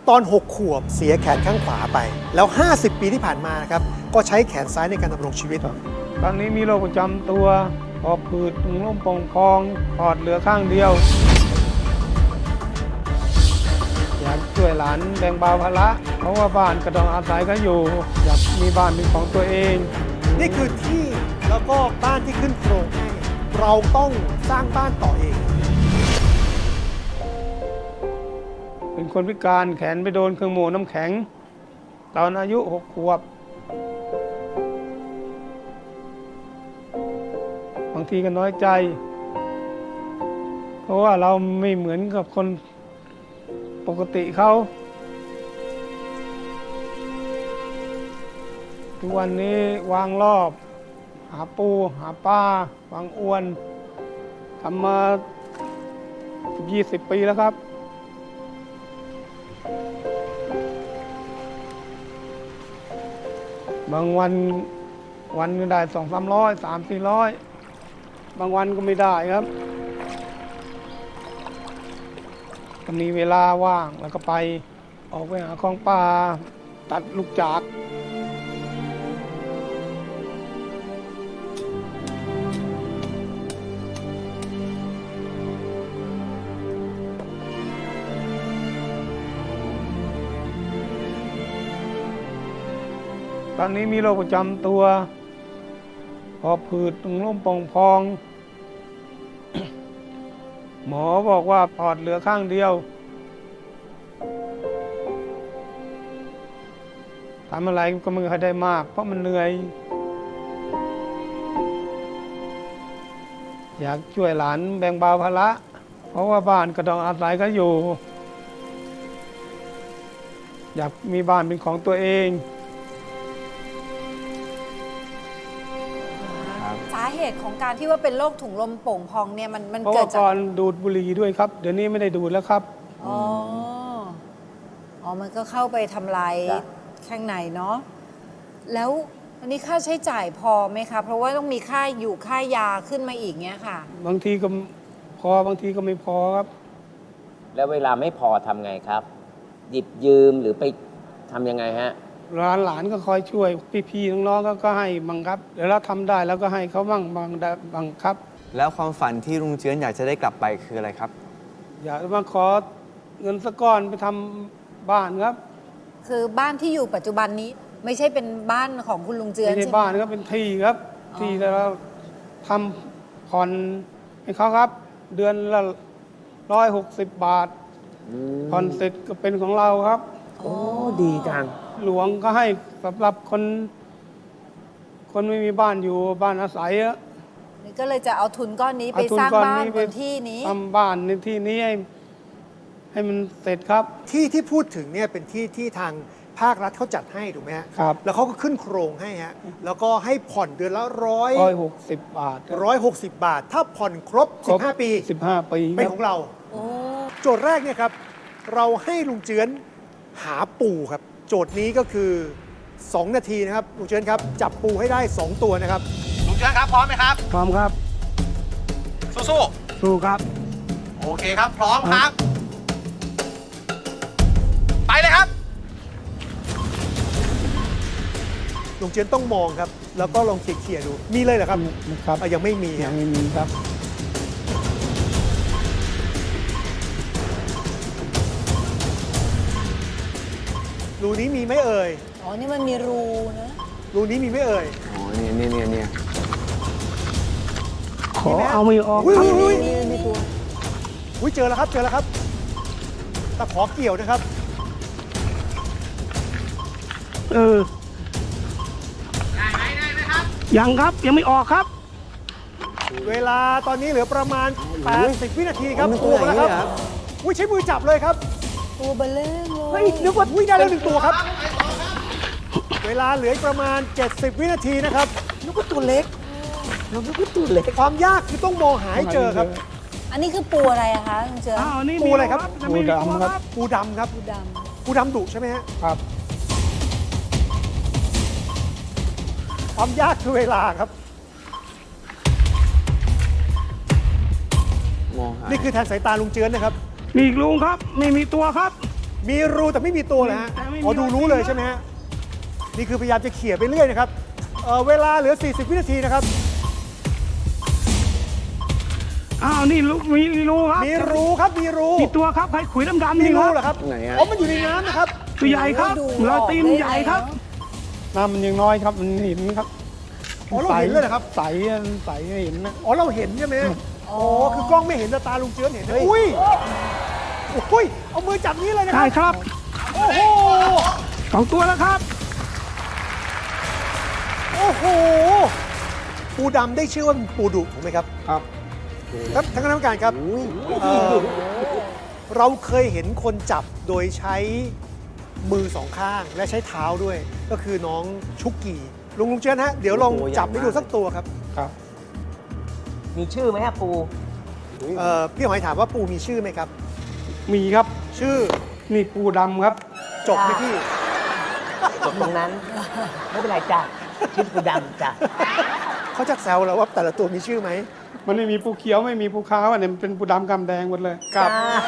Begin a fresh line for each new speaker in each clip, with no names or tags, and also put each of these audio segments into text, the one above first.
ตอน 6 ขวบเสียแขนข้างขวาไป แล้ว 50 ปีที่ผ่านมานะครับก็ใช้แขนซ้ายในการดำรงชีวิต
ตอนนี้มีโรคประจำตัวหอบผืดถุงลมโป่งพองปอดเหลือข้างเดียว อยากช่วยหลานแบ่งเบาภาระเพราะว่าบ้านก็ต้องอาศัยกันอยู่ อยากมีบ้านเป็นของตัวเอง
นี่คือที่แล้วก็บ้านที่ขึ้นโครงให้เราต้องสร้างบ้านต่อเอง
เป็นคนพิการแขนไปโดนเครื่องโม่น้ำแข็ง ตอนอายุ 6 ขวบบางทีก็น้อยใจ เพราะว่าเราไม่เหมือนกับคนปกติเขาทุกวันนี้วางรอบ หาปูหาปลาวางอวนทำมา20 ปีแล้วครับ บางวันก็ได้200-300 300-400 บางวันก็ไม่ได้ครับก็มีเวลาว่างแล้วก็ไปออกไปหาของป่าตัดลูกจากตอนนี้มีโรคประจำตัวหอบผืดถุงลมโป่งพอง หมอบอกว่าปอดเหลือข้างเดียวทำอะไรก็ไม่ค่อยได้มากเพราะมันเหนื่อย อยากช่วยหลานแบ่งเบาภาระเพราะว่าบ้านก็ต้องอาศัยกันอยู่ อยากมีบ้านเป็นของตัวเอง
สาเหตุของการที่ว่าเป็นโรคถุงลมโป่งพองเนี่ยมัน
เพราะ
เกิ
ว่า
ดจาก
ก่อนดูดบุหรี่ด้วยครับ เดี๋ยวนี้ไม่ได้ดูดแล้วครับ
อ๋ออ๋อมันก็เข้าไปทำลายข้างในเนาะแล้วอันนี้ค่าใช้จ่ายพอไหมคะเพราะว่าต้องมีค่าอยู่ค่ายาขึ้นมาอีกเงี้ยค่ะ
บางทีก็พอบางทีก็ไม่พอครับ
แล้วเวลาไม่พอทำไงครับ หยิบยืมหรือไปทำยังไงฮะ
หลานก็คอยช่วยพี่ๆน้องๆก็ให้บังครับเดี๋ยวเราทำได้แล้วก็ให้เขาบ้างบังครับ
แล้วความฝันที่ลุงเจือนอยากจะได้กลับไปคืออะไรครับ
อยากมาขอเงินสักก้อนไปทำบ้านครับ
คือบ้านที่อยู่ปัจจุบันนี้ไม่ใช่เป็นบ้านของคุณลุงเจือน
ไม่ใช่
ใช่ไหม
บ้านครับเป็นที่ครับ
อ๋อ
ที่แล้วเราทำผ่อนให้เขาครับ เดือนละ160 บาทผ่อนเสร็จก็เป็นของเราครับ
โอ้ดีจัง
หลวงก็ให้สำหรับคนไม่มีบ้านอยู่บ้านอาศัยอะ
นี่ก็เลยจะเอาทุนก้อนนี้ไป
เอทุ
สร้าง
ก้อ
บ้าน
ไป
บนที่นี้
ทำบ้านในที่นี้ให้มันเสร็จครับ
ที่พูดถึงเนี่ยเป็นที่ทางภาครัฐเขาจัดให้ถูกไหมฮะ
ครับ
แล้วเขาก็ขึ้นโครงให้ฮะแล้วก็ให้ผ่อนเดือนละ
160 บาทครับ
160 บาท ถ้าผ่อนครบ 15 ปี
15 ปี
เป็น
ค
ข
รั
อบ งเรา
โอ้
โจทย์แรกเนี่ยครับ เราให้ลุงเจือนหาปูครับ โจทย์นี้ก็คือ 2 นาทีนะครับลุงเจือนครับ จับปูให้ได้ 2 ตัวนะครับ
ลุงเชิญครับ พร้อมไหมครับ
พร้อมครับ
สู้
สู้ครับ
ๆ โอเคครับ พร้อมครับ ไปเลยครับ
ลุงเจือนต้องมองครับ แล้วก็ลองเขี่ยๆดู มีเลยเหรอครับ
ครับ
ยังไม่มี
ยั
ฮะ
งไม่มีครับ
รูนี้มีไหมเอ่ย
อ๋อนี่มันมีรูนะ
รูนี้มีไหมเอ่ย
อ๋อเนี่ย
ขอเอาไม่ออก
อุ้ย
ครับ
อุ้ย
มีตัว
อุ้ยเจอแล้วครับ เจอแล้วครับตะขอเกี่ยวนะครับ
เออ
ได้ไหมครับ
ยังครับยังไม่ออกครับ
เวลาตอนนี้เหลือประมาณ 80 วินาทีครับปูมาแล้วครับอุ้ยใช้มือจับเลยครับ
ตัวเบลเล่งเลย
เฮ้ยนึกว่าอุ้ยได้แล้ว1 ตัวครับ เวลาเหลืออีกประมาณ 70 วินาทีนะครับนึกว่าตัวเล็กนึกว่าตัวเล็ก ความยากคือต้องมองหาให้เจอครับ
อันนี้คือปูอะไรอะคะลุงเจือน
อ้าวนี่
ปูอะไรครับ
ปูดำครับ
ปูดำครับ
ปูด
ปูดำดุใช่ไหมฮะ
ครับ
ความยากคือเวลาครับ
มองหา
นี่คือแทนสายตาลุงเจือนนะครับ
มีอีกลุงครับไม่มีตัวครับ
มีรูแต่ไม่มีตัวเลยฮะ
แต่ไม่มี
อ๋อดูรู้เลยใช่ไหมฮะ นี่คือพยายามจะเขี่ยไปเรื่อยนะครับ เวลาเหลือ 40 วินาทีนะครับ
อ้าวนี่มีรูครับ
มีรูครับ มีรู
มีตัวครับใครขุยดำๆ
มี
นี่ค
รู
รับ
เหรอครับ
ไหนฮะ
อ๋อมันอยู่ในน้ำนะครับ
ตัวใหญ่ครับ
ดู
รอยตีน
ออกได้
ใหญ่ครับ
แล้ว
น้ำมันยังน้อยครับมันเห็นครับ
อ๋อเราเห็นเลยเหรอครับ
ใสใสเห็นนะ
อ๋อเราเห็นใช่ไหมฮะอ๋อคือกล้องไม่เห็นแต่ตาลุงเจือนเห็นนะอุ้ยอุ้ยเอามือจับนี้เลยนะค
ใช่
รับ
ครับ
โอ้โห
2 ตัวแล้วครับ
โอ้โห ปูดำได้ชื่อว่าเป็นปูดุถูกไหมครับ
ครับ
ครับท่านคณะกรรมการครับเราเคยเห็นคนจับโดยใช้มือสองข้างและใช้เท้าด้วย ก็คือน้องชุกกี้ลุงเจือนฮะเดี๋ยวลองจับให้ดูสักตัวครับ
ครับ
มีชื่อไหมฮะปู
พี่หอยถามว่าปูมีชื่อไหมครับ
มีครับ
ชื่อ
นี่ปูดำครับ
จบไหมพี่
จบตรงนั้น ไม่เป็นไรจ้ะชื่อปูดำจ้ะ
เขาจะแซวเราว่าแต่ละตัวมีชื่อไหม
มันไม่มีปูเขียวไม่มีปูขาวอันนี้มันเป็นปูดำกำแดงหมดเลย
ครับ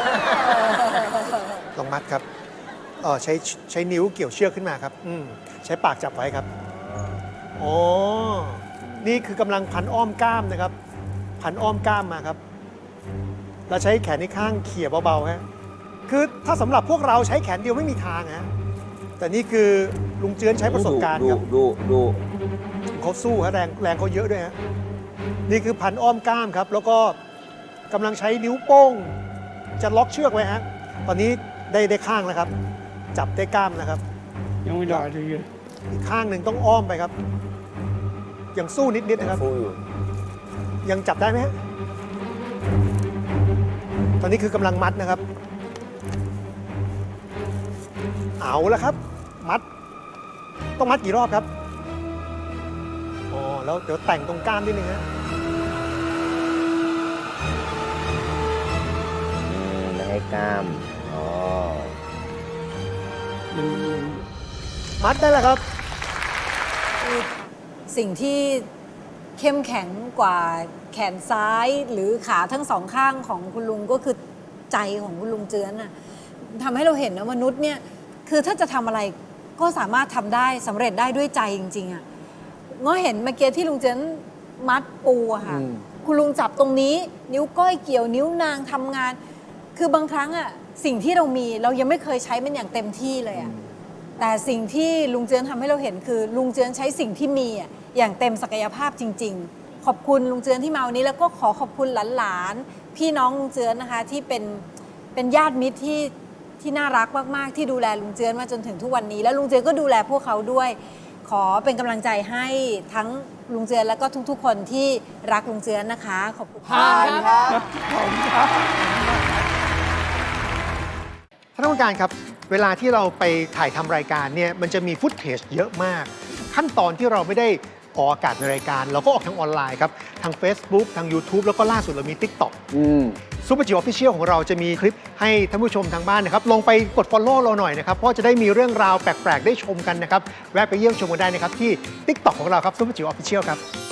ลองมัดครับใช้นิ้วเกี่ยวเชือกขึ้นมาครับใช้ปากจับไว้ครับอ๋อนี่คือกำลังพันอ้อมกล้ามนะครับ พันอ้อมกล้ามมาครับเราใช้แขนในข้างเขี่ยเบาๆฮะคือถ้าสำหรับพวกเราใช้แขนเดียวไม่มีทางฮะแต่นี่คือลุงเจือนใช้ประสบการณ์ครับ
ดู
เขาสู้ฮะแรงเขาเยอะด้วยฮะนี่คือพันอ้อมกล้ามครับ แล้วก็กำลังใช้นิ้วโป้งจะล็อกเชือกไว้ฮะตอนนี้ได้ข้างแล้วครับ จับได้กล้ามนะครับ
ยังไม่ได้เลย
อีกข้างหนึ่งต้องอ้อมไปครับ ยังสู้นิดๆนะครับ
ฟูอยู่
ยังจับได้ไหมฮะตอนนี้คือกำลังมัดนะครับ เอาแล้วครับ มัด ต้องมัดกี่รอบครับอ๋อแล้วเดี๋ยวแต่งตรงกล้ามนิดนึงฮะ
ไม่ให้กล้าม อ๋อ
มัดได้แล้วครับ
สิ่งที่เข้มแข็งกว่าแขนซ้ายหรือขาทั้งสองข้างของคุณลุงก็คือใจของคุณลุงเจือนน่ะทำให้เราเห็นนะมนุษย์เนี่ยคือถ้าจะทำอะไรก็สามารถทำได้สำเร็จได้ด้วยใจจริงๆอ่ะง้อเห็นเมื่อกี้ที่ลุงเจือนมัดปูอะค่ะคุณลุงจับตรงนี้นิ้วก้อยเกี่ยวนิ้วนางทำงาน คือบางครั้งอ่ะสิ่งที่เรามีเรายังไม่เคยใช้มันอย่างเต็มที่เลยอ่ะแต่สิ่งที่ลุงเจือนทำให้เราเห็นคือลุงเจือนใช้สิ่งที่มีอ่ะอย่างเต็มศักยภาพจริง ๆ ขอบคุณลุงเจือนที่มาวันนี้แล้วก็ขอบคุณหลานๆพี่น้องลุงเจือนนะคะที่เป็นญาติมิตรที่น่ารักมากๆที่ดูแลลุงเจือนมาจนถึงทุกวันนี้แล้วลุงเจือนก็ดูแลพวกเขาด้วย ขอเป็นกำลังใจให้ทั้งลุงเจือนแล้วก็ทุกๆ คนที่รักลุงเจือนนะคะขอบคุณค่ะ
ท่านผู้การครับ เวลาที่เราไปถ่ายทำรายการเนี่ยมันจะมีฟุตเทจเยอะมาก ขั้นตอนที่เราไม่ได้ออกอากาศในรายการ เราก็ออกทางออนไลน์ครับ ทาง Facebook ทาง YouTube แล้วก็ล่าสุดเรามี TikTok ซูเปอร์จิ๋วออฟฟิเชียลของเราจะมีคลิปให้ท่านผู้ชมทางบ้านนะครับลองไปกด Follow เราหน่อยนะครับ เพราะจะได้มีเรื่องราวแปลกๆ ได้ชมกันนะครับ แวะไปเยี่ยมชมกันได้นะครับที่ TikTok ของเราครับซูเปอร์จิ๋วออฟฟิเชียลครับ